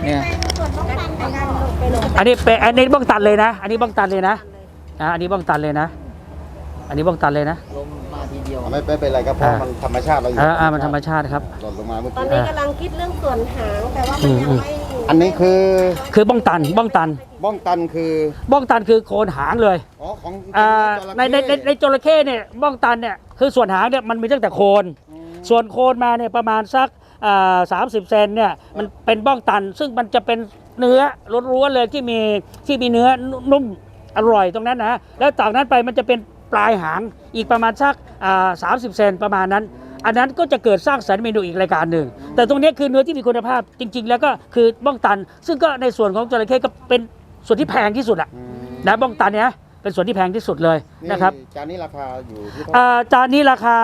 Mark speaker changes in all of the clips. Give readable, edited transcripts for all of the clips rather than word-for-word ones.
Speaker 1: เนี่ย
Speaker 2: อันนี้บ้องตันเลยนะอันนี้บ้องตันเลยนะอันนี้บ้องตันเลยนะอันนี้บ้องตันเลยนะ
Speaker 1: ลมมาทีเดียว
Speaker 3: ไม่เป็นไรครับเพราะมันธรรมชาติเราอยู่
Speaker 2: มันธรรมชาติครับ
Speaker 3: หล่นลงมาเมื่อ
Speaker 4: ตอ
Speaker 3: กี้
Speaker 4: นนี้กำลังคิดเรื่องส่วนหางแต่ว่ามันยังไม่
Speaker 3: อันนี้คือ
Speaker 2: บ้องตัน
Speaker 3: บ้องตัน
Speaker 2: คือโคนหางเลย
Speaker 3: อ๋อของ
Speaker 2: ในจระเข้เนี่ยบ้องตันเนี่ยคือส่วนหางเนี่ยมันมีตั้งแต่โคนส่วนโคนมาเนี่ยประมาณสัก30 เซนเนี่ยมันเป็นบ้องตันซึ่งมันจะเป็นเนื้อล้วนๆเลยที่มีเนื้อนุ่มอร่อยตรงนั้นนะแล้วจากนั้นไปมันจะเป็นปลายหางอีกประมาณสัก30 เซนประมาณนั้นอันนั้นก็จะเกิดสร้างสรรค์เมนูอีกรายการหนึ่งแต่ตรงนี้คือเนื้อที่มีคุณภาพจริงๆแล้วก็คือบ้องตันซึ่งก็ในส่วนของจระเข้ก็เป็นส่วนที่แพงที่สุดอะนะบ้องตันเนี่ยเป็นส่วนที่แพงที่สุดเลยนะครับ
Speaker 3: จานนี้ราคาอยู่ที่
Speaker 2: จานนี้ราคา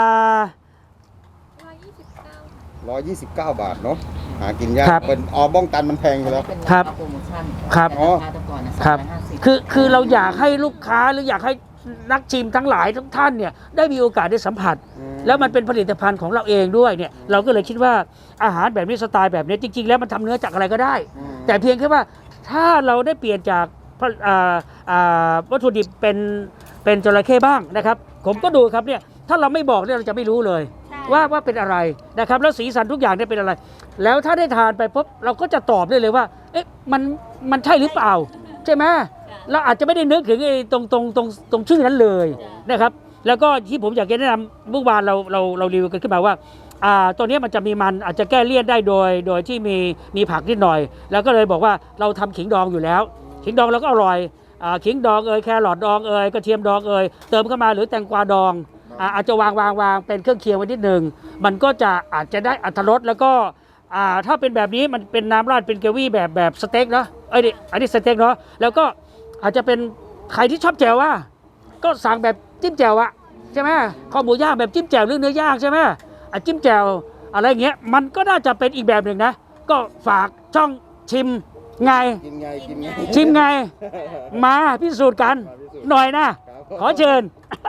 Speaker 3: 129 บาทเนาะหากินยากเป็นบ้องตันมันแพงอยู่แล้ว
Speaker 2: ครับ
Speaker 1: โปรโมชั่น
Speaker 2: ครับ
Speaker 1: ครับ
Speaker 2: คือเราอยากให้ลูกค้าหรืออยากให้นักชิมทั้งหลายทุกท่านเนี่ยได้มีโอกาสได้สัมผัสแล้วมันเป็นผลิตภัณฑ์ของเราเองด้วยเนี่ยเราก็เลยคิดว่าอาหารแบบนี้สไตล์แบบนี้จริงๆแล้วมันทำเนื้อจากอะไรก็ได้แต่เพียงแค่ว่าถ้าเราได้เปลี่ยนจากวัตถุดิบเป็นจระเข้บ้างนะครับผมก็ดูครับเนี่ยถ้าเราไม่บอกเนี่ยเราจะไม่รู้เลยว่าเป็นอะไรนะครับแล้วสีสันทุกอย่างเนี่ยเป็นอะไรแล้วถ้าได้ทานไปปุ๊บเราก็จะตอบได้เลยว่าเอ๊ะมันใช่หรือเปล่าใช่ไหมเราอาจจะไม่ได้นึกถึงไอ้ตรงชื่อนั้นเลยนะครับแล้วก็ที่ผมอยากจะแนะนำเมื่อวานเรารีวิวกันขึ้นมาว่าตัวนี้มันจะมีมันอาจจะแก้เลี่ยนได้โดยที่มีผักนิดหน่อยแล้วก็เลยบอกว่าเราทำขิงดองอยู่แล้วขิงดองเราก็อร่อยขิงดองแครอทดองกระเทียมดองเติมเข้ามาหรือแตงกวาดองอาจจะวางเป็นเครื่องเคียงไว้นิดหนึ่งมันก็จะอาจจะได้อรรถรสแล้วก็ถ้าเป็นแบบนี้มันเป็นน้ำราดเป็นเกวี่แบบสเต็กเนาะอันนี้สเต็กเนาะแล้วก็อาจจะเป็นใครที่ชอบแจ่วว่าก็สั่งแบบจิ้มแจ่วอะใช่ไหมข้าวหมูย่างแบบจิ้มแจ่วหรือเนื้อย่างใช่ไหมจิ้มแจ่วอะไรเงี้ยมันก็น่าจะเป็นอีกแบบหนึ่งนะก็ฝากช่องชิมไงชิมไงมาพิสูจน์กันหน่อยนะขอเชิญ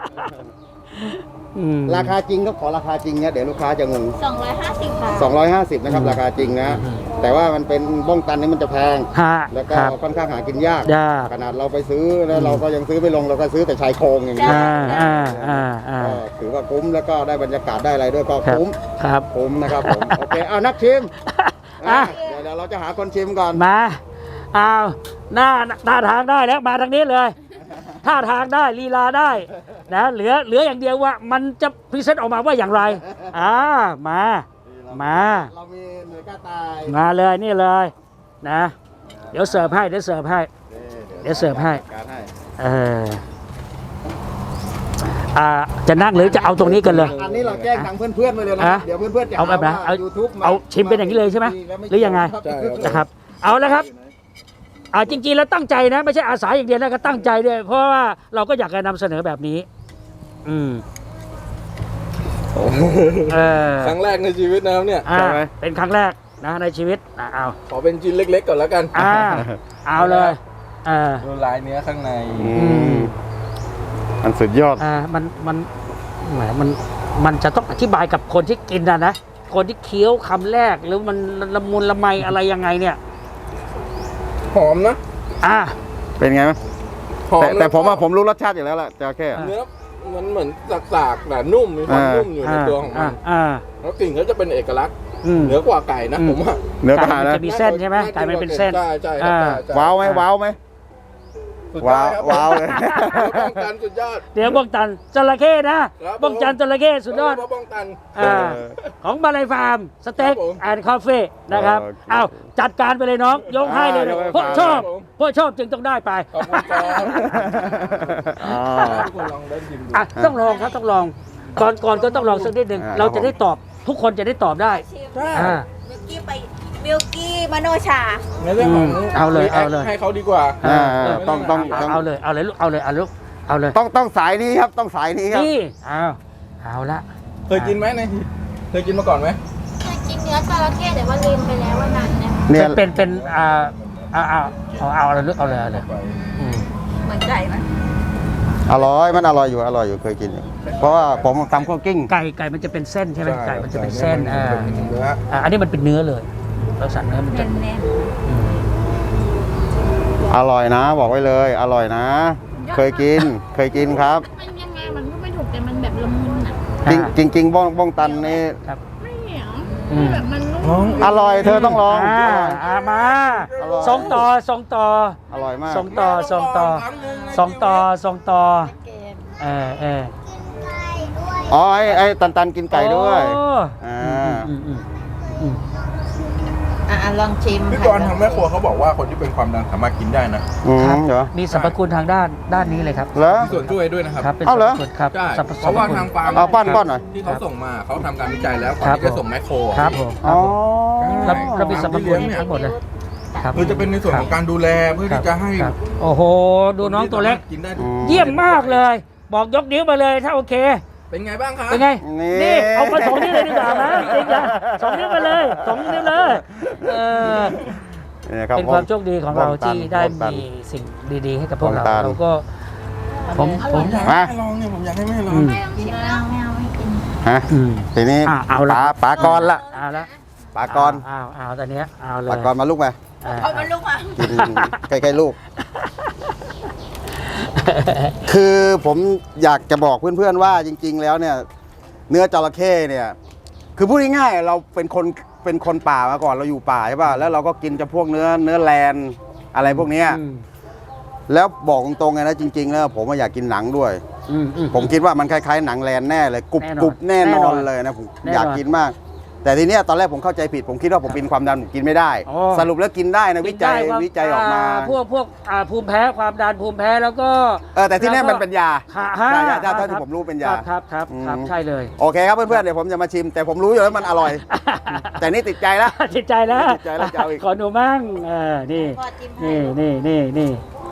Speaker 3: ราคาจริงก็ขอราคาจริงเนี่ยเดี๋ยวลูกค้าจะงง
Speaker 4: 250 บาท
Speaker 3: 250นะครับราคาจริงนะแต่ว่ามันเป็นบ้องตันนี่มันจะแพงแล้วก็ค่อนข้างหากินยากขนาดเราไปซื้อแล้วเราก็ยังซื้อไม่ลงเราก็ซื้อแต่ชายโครงอย่างนี้ถือว่าคุ้มแล้วก็ได้บรรยากาศได้อะไรด้วยก็คุ้มนะครับผมโอเคเอานักชิมเดี๋ยวเราจะหาคนชิมก่อน
Speaker 2: มาเอาหน้าทางได้แล้วมาทางนี้เลยท่าทางได้ลีลาได้นะเหลืออย่างเดียวว่ามันจะพรีเซนต์ออกมาว่าอย่างไรมา
Speaker 3: เรามีหน่วยกล้าตาย
Speaker 2: มาเลยนี่เลยนะเดี๋ยวเสิร์ฟให้จะนั่งหรือจะเอาตรงนี้กันเลย
Speaker 3: อันนี้เราแจ้งทางเพื่อนๆไปเลยนะเดี๋ยวเพื่อนๆจะ
Speaker 2: เอาแบบไหนเอาชิมเป็นอย่างนี้เลยใช่ไหมหรือยังไงนะครับเอาแล้วครับจริงๆแล้วตั้งใจนะไม่ใช่อาสาอย่างเดียวนะก็ตั้งใจด้วยเพราะว่าเราก็อยากจะนำเสนอแบบนี้
Speaker 5: ครั้งแรกในชีวิตนะครับเนี่ย
Speaker 2: ใช่ไหมเป็นครั้งแรกนะในชีวิตเอา
Speaker 5: ขอเป็นชิ้นเล็กๆก่อนแล้วกัน
Speaker 2: เอาเลย
Speaker 5: ดูลายเนื้อข้างใน
Speaker 3: มันสุดยอด
Speaker 2: มันจะต้องอธิบายกับคนที่กินนะคนที่เคี้ยวคำแรกหรือมันละมุนละไมอะไรยังไงเนี่ย
Speaker 5: หอมนะ
Speaker 3: เป็นไงมั้ยแต่ผมรู้รสชาติอยู่แล้วแหละจะแค่
Speaker 5: เนื้อมันเหมือนสากๆแต่นุ่มมีความนุ่มอยู่ในตัวของมันแล้วกลิ่นก็จะเป็นเอกลักษณ์เหนือกว่าไก่นะผมว่า
Speaker 3: เนื้อไก่
Speaker 2: จะมีเส้นใช่ไหมไก่มันเป็นเส้น
Speaker 5: ใช่
Speaker 3: ว้าวไหมว้าวเลย
Speaker 5: บ้องตันสุดยอด
Speaker 2: เดี๋ยวบ้องตันจระเข้นะบ้องจันจระเข้สุดยอด
Speaker 5: บ้องตัน
Speaker 2: ของมาลายฟาร์มสเต็กแอนด์คาเฟ่นะครับเอาจัดการไปเลยน้องยกให้เลยเพราะชอบจึงต้องได้ไปต้องลองครับต้องลองก่อนก็ต้องลองสักนิดหนึ่งเราจะได้ตอบทุกคนจะได้ตอบได้
Speaker 4: มิลกี้มโนชา
Speaker 5: ในเรื่องของ
Speaker 2: เอาเลย
Speaker 5: ให้เขาดีกว่า
Speaker 3: ต้อง
Speaker 2: เอาเลยลูกเอาเลย
Speaker 3: ต้องสายนี้ครับต้องสายนี้ครับ
Speaker 2: นี่เอาละ
Speaker 5: เคยกินไหมเคยกินมาก่อนไหม
Speaker 4: เคยกินเนื้อจระเข้แต่ว่าลืมไปแล้วว่านานเนี่ย
Speaker 2: เป็นเอาเลยลูกเอาเลย
Speaker 4: เหมือนไก่ไหม
Speaker 3: มันอร่อยอยู่เคยกินอยู่เพราะว่าผมทำคั่วกิ้ง
Speaker 2: ไก่มันจะเป็นเส้นใช่ไหมไก่มันจะเป็นเส้นอันนี้มันเป็นเนื้อเลยเราสั่งเนื้อมันจะ
Speaker 3: อร่อยนะ บอกไว้เลย อร่อยนะ เคยกินครับ
Speaker 4: มันยังไงมันก็ไม่ถูกแต่มันแบบละมุนอ่ะ
Speaker 3: จริงบ้องตันนี่
Speaker 2: ครับ
Speaker 4: ไม่เหนียวคือแบบมันนุ่ม
Speaker 3: อร่อยเธอต้องลอง
Speaker 2: มา
Speaker 3: อร่อย
Speaker 2: ส่งต่อ
Speaker 3: อร่อยมาก
Speaker 2: ส่งต่อเออ
Speaker 3: อ๋อไอ้ตันกินไก่ด้วย
Speaker 2: โอ้
Speaker 3: อ่า
Speaker 1: ลองชิม
Speaker 5: พี่กรณ์ทางแม่ครัวเขาบอกว่าคนที่เป็นความดันสามารถกินได้นะ
Speaker 2: ครับ
Speaker 3: เหรอ
Speaker 2: มีสรรพคุณทางด้านนี้เลยครับ
Speaker 3: เหรอ
Speaker 5: มีส่วนช่วยด้วยนะครับ
Speaker 2: ครับเป็น
Speaker 3: เอาเหรอ
Speaker 2: สรรพคุณครับ
Speaker 5: ใช่
Speaker 2: สรรพ
Speaker 5: เพราะว่าทางฟาร์ม
Speaker 3: เอาป้อนหน่อย
Speaker 5: ที่เขาส่งมาเขาทำการวิจัยแล้วก่อน
Speaker 2: ครับ
Speaker 5: ที่จะส่งแมคโคร
Speaker 2: ครับผม
Speaker 3: อ๋อ
Speaker 2: เรามีสรรพคุณทั้งหมดเลยครับ
Speaker 5: คือจะเป็นในส่วนของการดูแลเพื่อที่จะให้
Speaker 2: ครับโอ้โห ดูน้องตัวเล็ก
Speaker 5: กินได้ทุก
Speaker 2: เยี่ยมมากเลย บอกยกนิ้วมาเลยถ้าโอเค
Speaker 5: เป็นไงบ้างครับ
Speaker 2: เป็นไง
Speaker 3: นี่
Speaker 2: นี่เอามา2 นิ้วเลยดีกว่านะจริงนะ2 นิ้วไปเลย2 นิ้วเลย
Speaker 3: นี่ครับ
Speaker 2: เป็นความโชคดีของเราที่ได้
Speaker 3: บ้องตัน
Speaker 2: มีสิ่งดีๆให้กับพวกเรา
Speaker 3: บ้องตัน
Speaker 2: เราก็ผม
Speaker 5: ผมอยากให้แม่ลองเนี่ยผมอยากให้แม่ลอง
Speaker 4: ไม่ต้องชิมแล้วไม่เอาไม่กิน
Speaker 3: ฮะ ทีนี้
Speaker 2: เอาละ
Speaker 3: ปลากรละ
Speaker 2: เอาละ
Speaker 3: ปลากร
Speaker 2: เอาตอนเนี้ยเอาเลย
Speaker 3: ปลากรมาลูกไป
Speaker 4: เอามาลูกมา
Speaker 3: กินใกล้ๆลูก คือผมอยากจะบอกเพื่อนๆว่าจริง ๆ แล้วเนี่ย เนื้อจระเข้เนี่ย คือพูดง่ายๆเราเป็นคนป่ามาก่อนเราอยู่ป่าใช่ป่ะแล้วเราก็กินจะพวกเนื้อแลนอะไรพวกเนี้ย แล้วบอกตรงๆไงนะจริงๆแล้วผมอยากกินหนังด้วย ผมคิดว่ามันคล้ายๆหนังแลนแน่เลยกรุบแน่นอนเลยนะผมอยากกินมาก แต่ทีเนี้ยตอนแรกผมเข้าใจผิดผมคิดว่าผมเป็นความดันผมกินไม่ได้
Speaker 2: อ๋อ
Speaker 3: สรุปแล้วกินได้นะวิจัยออกมา
Speaker 2: พวกภูมิแพ้ความดันภูมิแพ้แล้วก็
Speaker 3: แต่ที่แน่มันเป็นยา
Speaker 2: ฮะ
Speaker 3: ใช่เท่าที่ผมรู้เป็นยา
Speaker 2: ครับใช่เลย
Speaker 3: โอเคครับเพื่อนๆเดี๋ยวผมจะมาชิม แต่ผมรู้อยู่แล้วมันอร่อย แต่นี่ติดใจแล้ว
Speaker 2: ติดใจแล้ว
Speaker 3: ติดใจแล้วจะเอาอีก
Speaker 2: ขอหนูมั่งนี่
Speaker 4: พอจิ้มให้
Speaker 2: นี่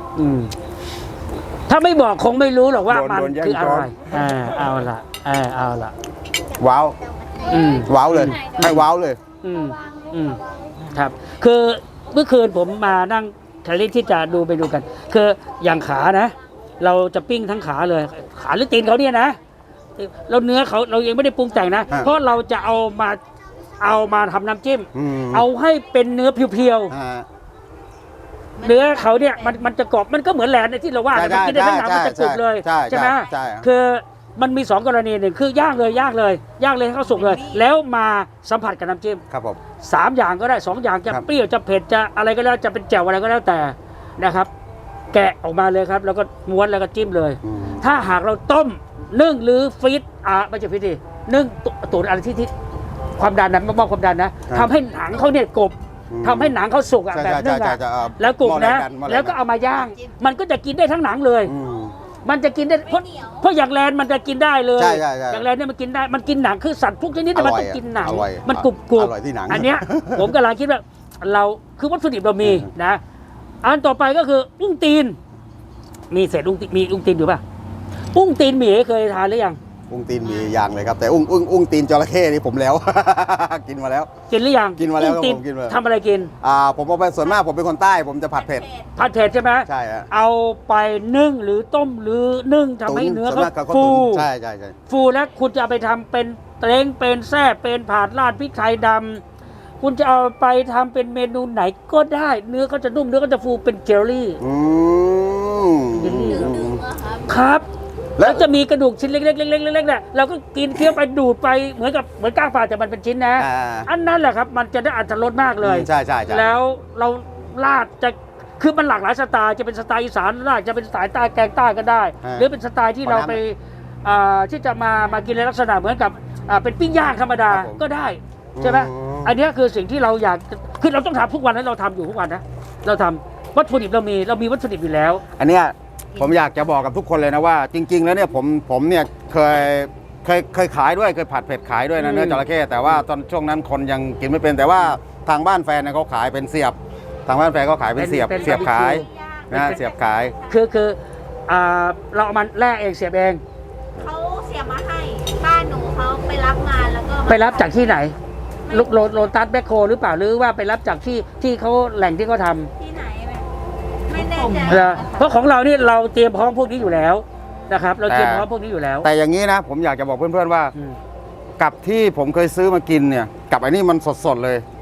Speaker 2: ถ้าไม่บอกคงไม่รู้หรอกว่ามัน
Speaker 3: โดนแย่ง
Speaker 2: คืออะไร
Speaker 3: ช้อน
Speaker 2: เอาละ
Speaker 3: ว้าว ว้าวเลยให้ว้าวเลย
Speaker 2: ครับคือเมื่อคืนผมมานั่งทะเลที่จะดูกัน คืออย่างขานะ เราจะปิ้งทั้งขาเลย ขาหรือตีนเขาเนี่ยนะเราเนื้อเขาเรายังไม่ได้ปรุงแต่งนะ เพราะเราจะเอามาทำน้ำจิ้ม เอาให้เป็นเนื้อเพียวๆเนื้อเขาเนี่ยมันจะกรอบมันก็เหมือนแหลนที่เราว่ามันกินได้ทั้งหนังมันจะกรุบเลยใช่ไหมคือมันมี2 กรณีหนึ่งคือย่างเลยให้เขาสุกเลย แล้วมาสัมผัสกับน้ำจิ้ม
Speaker 3: ครับผม
Speaker 2: 3 อย่างก็ได้2 อย่างจะเปรี้ยวจะเผ็ดจะอะไรก็แล้วจะเป็นแจ่วอะไรก็แล้วแต่นะครับ แกะออกมาเลยครับแล้วก็ม้วนแล้วก็จิ้มเลย ถ้าหากเราต้มนึ่งหรือฟรีซไม่ใช่ฟรีซดินึ่งตุ๋นอะไรที่ความดันนะมากความดันนะทำให้หนังเขาเนี่ยกรอบทำให้หนังเขาสุกแบบนึ่งแล้วกรุบนะแล้วก็เอามาย่างมันก็จะกินได้ทั้งหนังเลยมันจะกินได้เพราะอย่างแลนมันจะกินได้เลยอย่างแลนเนี่ยมันกินได้มันกินหนังคือสัตว์พวกชนิดมันต้องกินหนังมันกรุบอันเนี้ยผมกำลังคิดว่าเราคือวัตถุดิบเรามีนะอันต่อไปก็คืออุ้งตีนมีเศษอุ้งตีนอยู่ป่ะอุ้งตีนหมีเคยทานหรือยัง
Speaker 3: อุ้งตีนมีอย่างเลยครับแต่อุ้งตีนจระเข้นี่ผมแล้ว กินมาแล้ว
Speaker 2: กินหรือยัง
Speaker 3: กินมาแล้ว
Speaker 2: อุ้งตีน
Speaker 3: ผมกินมา
Speaker 2: ทำอะไรกิน
Speaker 3: ผมเอาไปส่วนมากผมเป็นคนใต้ผมจะผัดเผ็ด
Speaker 2: ใช่ไหม
Speaker 3: ใช่ฮะ
Speaker 2: เอาไปนึ่งหรือต้มหรือนึ่งทำให้เนื้อ
Speaker 3: ส่วน
Speaker 2: เขา
Speaker 3: มากก็
Speaker 2: ฟู
Speaker 3: ตุ๋นใช่
Speaker 2: ฟูแล้วคุณจะเอาไปทำเป็นเต้งเป็นแซ่บเป็นผาดราดพริกไทยดำคุณจะเอาไปทำเป็นเมนูไหนก็ได้ เนื้อเขาจะนุ่มเนื้อเขาจะฟูเป็นเจลลี่เจลลี่ครับ แล้วจะมีกระดูกชิ้นเล็กๆเนี่ยเราก็กินเคี้ยวไปดูดไปเหมือนก้างปลาแต่มันเป็นชิ้นนะอันนั้นแหละครับมันจะได้อรรถรสมากเลย
Speaker 3: ใช่
Speaker 2: แล้วเราราดจะคือมันหลากหลายสไตล์จะเป็นสไตล์อีสานราดจะเป็นสไตล์ใต้แกงใต้ก็ได้ หรือเป็นสไตล์ที่เราไปที่จะมากินในลักษณะเหมือนกับเป็นปิ้งย่างธรรมดาก็ได้ใช่ไหมอันนี้คือสิ่งที่เราอยากคือเราต้องทำทุกวันนะเราทำอยู่ทุกวันนะเราทำวัตถุดิบเรามีวัตถุดิบอยู่แล้ว
Speaker 3: อันเนี้ยผมอยากจะบอกกับทุกคนเลยนะว่าจริงๆแล้วเนี่ยผมเนี่ยเคยขายด้วยเคยผัดเผ็ดขายด้วยนะเนื้อจระเข้แต่ว่าตอนช่วงนั้นคนยังกินไม่เป็นแต่ว่าทางบ้านแฟนเนี่ยเขาขายเป็นเสียบทางบ้านแฟนเขาขายเป็นเสียบขายนะเสียบขาย
Speaker 2: คือเราเอามันแล่เองเสียบเอง
Speaker 4: เขาเสียบมาให้บ้านหนูเขาไปรับมาแล้วก็
Speaker 2: ไปรับจากที่ไหนโลตัสแบคโคหรือเปล่าหรือว่าไปรับจากที่เขาแหล่งที่เขาทำ
Speaker 4: ที่ไหนแบบไม่แน่ใจ
Speaker 2: เพราะของเรานี่เราเตรียมพร้อมพวกนี้อยู่แล้วนะครับเราเตรียมพร้อมพวกนี้อยู่แล้ว
Speaker 3: แต่อย่างนี้นะผมอยากจะบอกเพื่อนๆว่ากับที่ผมเคยซื้อมากินเนี่ยกับไอ้นี่มันสดๆเลย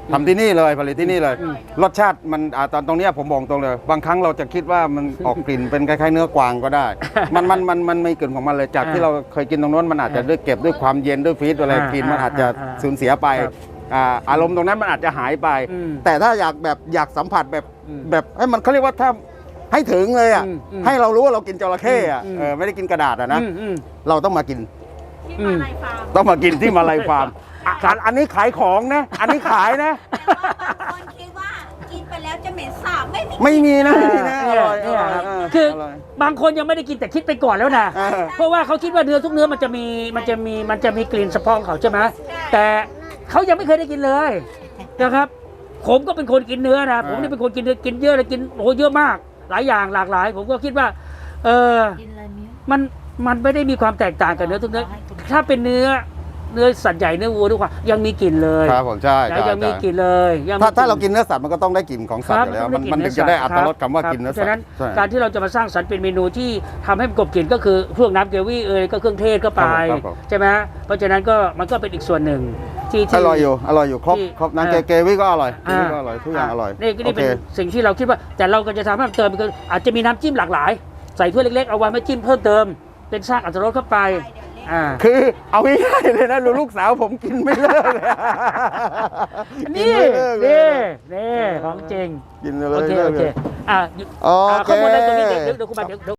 Speaker 3: ทำที่นี่เลยผลิตที่นี่เลย รสชาติมันตรงเนี้ยผมบอกตรงเลยบางครั้งเราจะคิดว่ามันออกกลิ่นเป็นคล้ายๆเนื้อกวางก็ได้ มันไม่กลิ่นของมันเลยจากที่เราเคยกินตรงโน้นมันอาจจะด้วยเก็บด้วยความเย็นด้วยฟรีซอะไรกินมันอาจจะสูญเสียไปอารมณ์ตรงนั้นมันอาจจะหายไป แต่ถ้าอยากสัมผัสแบบให้มันเขาเรียกว่าถ้าให้ถึงเลยอ่ะให้เรารู้ว่าเรากินจระเข้อ่ะไม่ได้กินกระดาษอ่ะนะเราต้องมากิน
Speaker 4: ที่มาลายฟาร์ม
Speaker 3: ต้องมากินที่มาลายฟาร์มอันนี้ขายของนะ อันนี้ขายนะ
Speaker 4: แต่ว่าบางคนคิดว่ากินไปแล้วจะเหม็นสาบไม่มี
Speaker 3: ไม่มีนะอร่อย
Speaker 2: คือบางคนยังไม่ได้กินแต่คิดไปก่อนแล้วนะเพราะว่าเขาคิดว่าเนื้อทุกเนื้อมันจะมีกลิ่นเฉพาะของเขาใช่ไหมแต่เขายังไม่เคยได้กินเลยนะครับผมก็เป็นคนกินเนื้อนะผมนี่เป็นคนกินเนื้อกินเยอะเลยกินโอ้เยอะมากหลายอย่างหลากหลาย ผมก็คิดว่า
Speaker 1: กินอะไรมิ้ว
Speaker 2: มันไม่ได้มีความแตกต่างกับเนื้อทุกเนื้อถ้าเป็นเนื้อสัตว์ใหญ่เนื้อวัวทุกว่ายังมีกลิ่นเลย
Speaker 3: ครับผมใช่
Speaker 2: ยังมีกลิ่นเลย
Speaker 3: ถ้าเรากินเนื้อสัตว์มันก็ต้องได้กลิ่นของสัตว์อยู่แล้วมันถึงจะได้อรรถรสคำว่ากินเนื้อสัตว์
Speaker 2: ฉะนั้นการที่เราจะมาสร้างสรรค์เป็นเมนูที่ทำให้มันกลบกลิ่นก็คือพวกน้ำเกรวี่ก็เครื่องเทศก็ไปใช่ไหมเพราะฉะนั้นก็มันก็เป็นอีกส่วนหนึ่งที่
Speaker 3: อร่อยอยู่ครบน้ำเกวี่ก็อร่อยทุกอย่างอร่อย
Speaker 2: นี่เป็นสิ่งที่เราคิดว่าแต่เราก็จะทำให้เติมคืออาจจะมีน้ำจิ้มหลากหลายใส่ถ้วยเล็กๆเอาไว้มาจิ้มเพิ่มเติมเป็นสร้างอรรถรสเข้าไป
Speaker 3: คือเอาง่ายๆเลยนะลูกสาวผมกินไม่เลิกเลย
Speaker 2: นี่ของจริง
Speaker 3: กินเลย
Speaker 2: โอเคข้อมูลในตรงนี้เดี๋ยวคุณมาเดี๋ยว